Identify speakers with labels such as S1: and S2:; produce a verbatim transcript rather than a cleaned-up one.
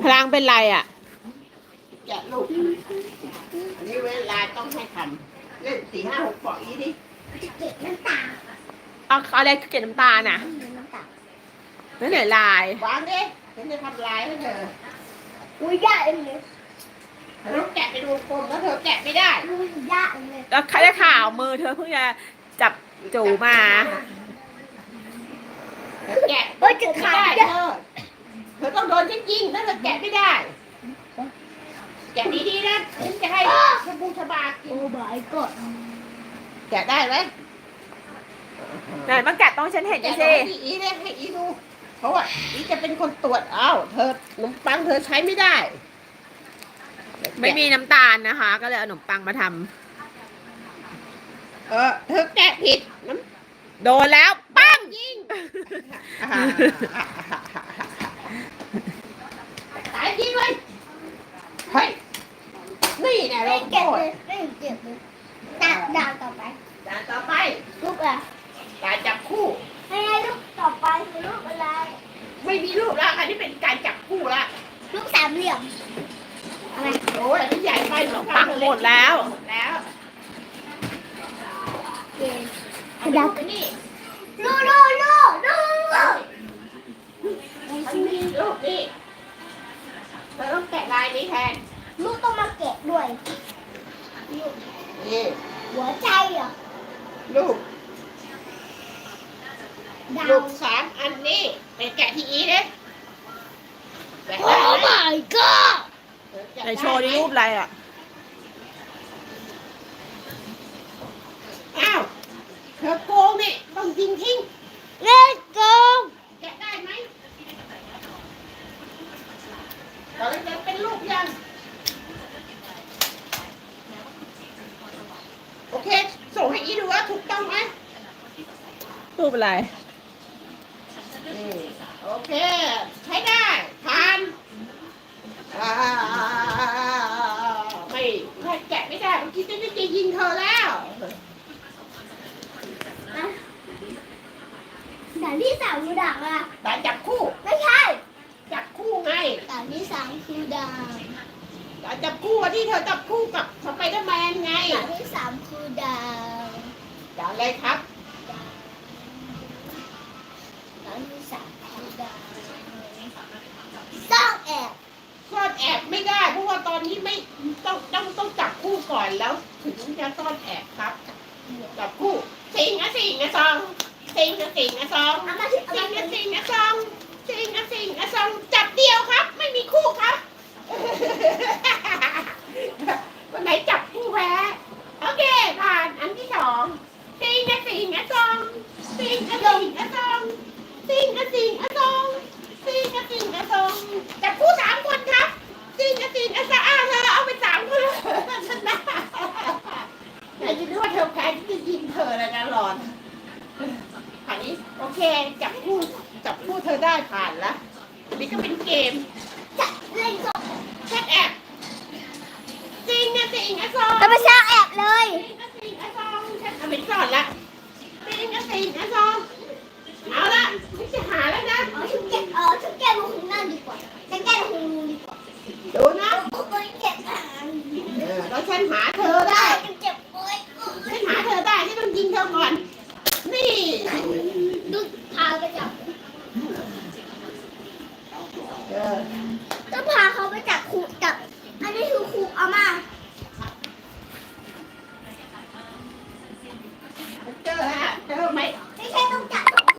S1: ลังเป็นไรอ่ะ
S2: แกะลูกอันนี้เวลาต้องให้ทำเล่นสี่ห้าหกปอกอีดิ
S3: เก็บน้ำตา
S1: เอาอะไรเกล็ดน้ำตาลน่ะ
S3: น้ำตา
S1: นั่นไหนลายว
S2: างดิฉันจะทำลายให้เธอ
S3: อุ้ยยากเลย
S2: เธอต้องแกะไปดูกลมแล้วเธอแกะไม่ได้
S3: อุ้ยยากเลย
S1: แล้วใครจะข่าวมือเธอเพิ่งจะจับจูมา
S2: แกะ
S3: เอ้ยจะขาด
S2: เธอเธอต้องโดนฉันยิงถ้าเธอแกะไม่ได้แกะดีๆนะฉันจะให้ชบูชบากิน
S3: โอ้บายกด
S2: แกะได้ไหม
S1: ไหนมาแกะต้องฉันเห็นดิสิ
S2: ให้อีเนี่ยให้อีดูเพราะว่าอีจะเป็นคนตรวจอ้าวเธอขนมปังเธอใช้ไม่ได้
S1: ไม่มีน้ำตาลนะคะ ก็เลยเอาขนมปังมาท
S2: ำเออเธอแกะผิดน้
S1: ำโดนแล้วปั้ง
S2: ยิงตายยิงเลยเฮ้ยนี่แน่เรา
S3: เก็บเลยไม่เก็บเลยดาวดาวต่อไป
S2: ด่านต่อไป
S3: ลูกอะ
S2: ด่านจับคู่
S3: ให้ลูกต่อไปคือลูกอะไร
S2: ไม่มีรูปแล้วอันนี้เป็นการจับคู่ละ
S3: ลูกสามเหลี่ยมอะไร
S2: โอ้ยอันนี้ใหญ่ไป
S1: ขนมปังหมดแล้ว
S2: แล้ว
S3: ขยับไปนี่ลูลูลูลูลู
S2: มันมีรูปนี่เธอต้องแกะลายนี้แทน
S3: ลูกต้องมาแกะด้วย
S2: นี่
S3: หัวใจเหรอ
S2: รูปรูปสามอันนี้เป็นแกะที่อีเนี่ย
S3: โอ้ my god
S1: ในโชว์นี่รูปอะไรอ่ะ
S2: อ้าวเธอโกงนี่ต้องยิงทิ้ง
S3: เล่นโกง
S2: แกะได้ไหมตอนนี้จะเป็นรูปยังโอเคส่งให้อีดูว่าถูกต้องไหม
S1: รูปอะไร
S2: โอเคใช้ได้ผ่านไม่ไม่แกะไม่ได้เมื่อกี้จะจะยิงเธอแล้ว
S3: ด่านที่สามคือด่านอะไร
S2: ด่านจับคู่
S3: ไม่ใช่
S2: จับคู่ไง
S3: ด่านที่สามคือด่าน
S2: ด่านจับคู่ที่เธอจับคู่กับสไปเดอร์แมนไง
S3: ด่านที่สามคือด่าน
S2: ด่านอะไรครับ
S3: ด่านที่สามคือด่านซ่อนแอบ
S2: ซ่อนแอบไม่ได้เพราะว่าตอนนี้ไม่ต้องต้องต้องจับคู่ก่อนแล้วถึงจะซ่อนแอบครับจับคู่สิงอะสิงอะซองสิงอะสิงอะซองสิงอะสิงอะซองสิงอะสิงอะซองจับเดียวครับไม่มีคู่ครับวันไหนจับคู่แพ้โอเคผ่านอันที่สองสิงอะสิงอะซองสิงอะสิงอะซองสิงอะสิงอะซองสิงอะสิงอะซองจับคู่สามคนครับสิงอะสิงอะซองอ้าวเธอเอาไปสามคนชนะไหนจะรู้ว่าเธอแพ้ที่จะยิงเธอแล้วนะหลอนผ่านนี้โอเคจับคู่จับคู่เธอได้ผ่านแล้วนี่ก็เป็นเกม
S3: จะเล่นก็
S2: แค่แอบจริงนะจริงนะซอง
S3: จะไปสร้างแอบเลย
S2: จริงนะจริงนะซองฉันเอาไปสอนละจริงนะจริงนะซองเอาละฉันจะหาแล้วนะ
S3: อ๋อฉันแกะอ๋อฉันแกะลงนั่นดีกว่าฉันแกะลงดีกว่า
S2: ดูนะ
S3: โอ้ยเก็บอ่ะ
S2: แล้วฉันหาเธอได้
S3: เก็บโอ้ย
S2: ฉันหาเธอได้ฉันต้องยิงเธอก่อนนี่
S3: ดูพาไปจับก็พาเขาไปจับครูจับอันนี้คือครูเอามา
S2: เจอฮะเจอไหม